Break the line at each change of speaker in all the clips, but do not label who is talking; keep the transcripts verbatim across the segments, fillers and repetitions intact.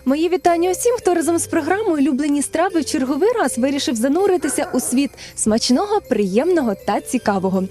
Мої вітання усім, хто разом з програмою «Улюблені страви» в черговий раз вирішив зануритися у світ смачного, приємного та цікавого.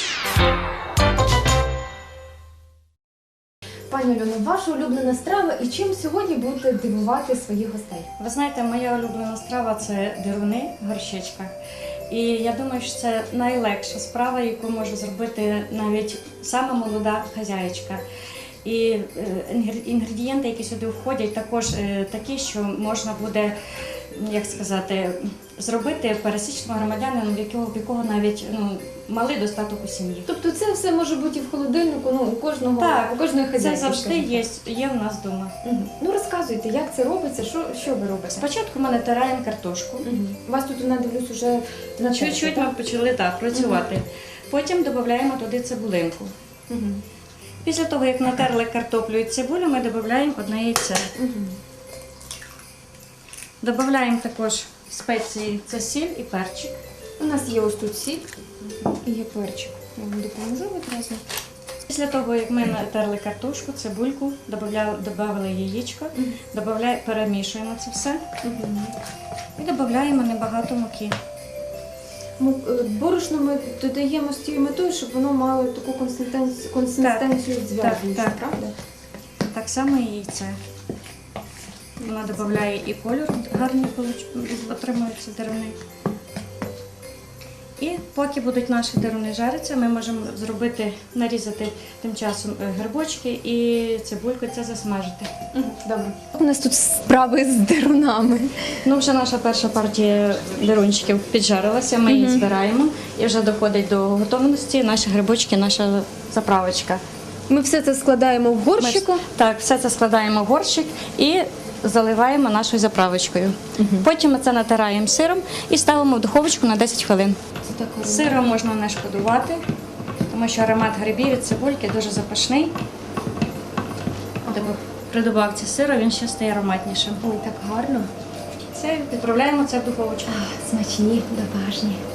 Пані Альоно, ваша улюблена страва і чим сьогодні будете дивувати своїх гостей?
Ви знаєте, моя улюблена страва – це деруни, горщичка. І я думаю, що це найлегша справа, яку може зробити навіть сама молода хазяєчка. І інгредієнти, які сюди входять, також такі, що можна буде, як сказати, зробити пересічному громадянину, в якого, в якого навіть ну, малий достаток у сім'ї.
Тобто це все може бути і в холодильнику, ну, у кожного,
так,
у кожної хазяйки?
Це завжди є, є в нас вдома.
Угу. Ну розказуйте, як це робиться, що, що ви робите?
Спочатку ми натираємо картошку.
Угу. У вас тут, я дивлюсь, вже на
чуть-чуть ми почали так працювати. Угу. Потім додаємо туди цибулинку.
Угу.
Після того, як натерли картоплю і цибулю, ми додаємо одне яйце. Угу. Додаємо також спеції, це сіль і перчик.
У нас є ось тут сіль і є перчик. Я вам допоможу відразу.
Після того, як ми натерли картошку, цибульку, додали яєчко, угу. перемішуємо це все угу. і додаємо небагато муки.
Борошно ми додаємо з тією метою, щоб воно мало таку консистенцію, консистенцію зв'язуючу, правда?
Так само і яйце. Вона додає і кольор гарний, отримуються деруни. І поки будуть наші деруни жаритися, ми можемо зробити, нарізати тим часом грибочки і цибульку, це засмажити.
Добре. У нас тут справи з дерунами.
Ну, вже наша перша партія дерунчиків піджарилася, ми її збираємо і вже доходить до готовності наші грибочки, наша заправочка.
Ми все це складаємо в горщику?
Ми, так, все це складаємо в горщик і заливаємо нашою заправочкою. Угу. Потім ми це натираємо сиром і ставимо в духовочку на десять хвилин. Сиром можна не шкодувати, тому що аромат грибів від цибульки дуже запашний. Ага. При добавці сиру він ще стає ароматнішим.
Ой, так гарно.
Це відправляємо це в духовочку.
А, смачні, домашні.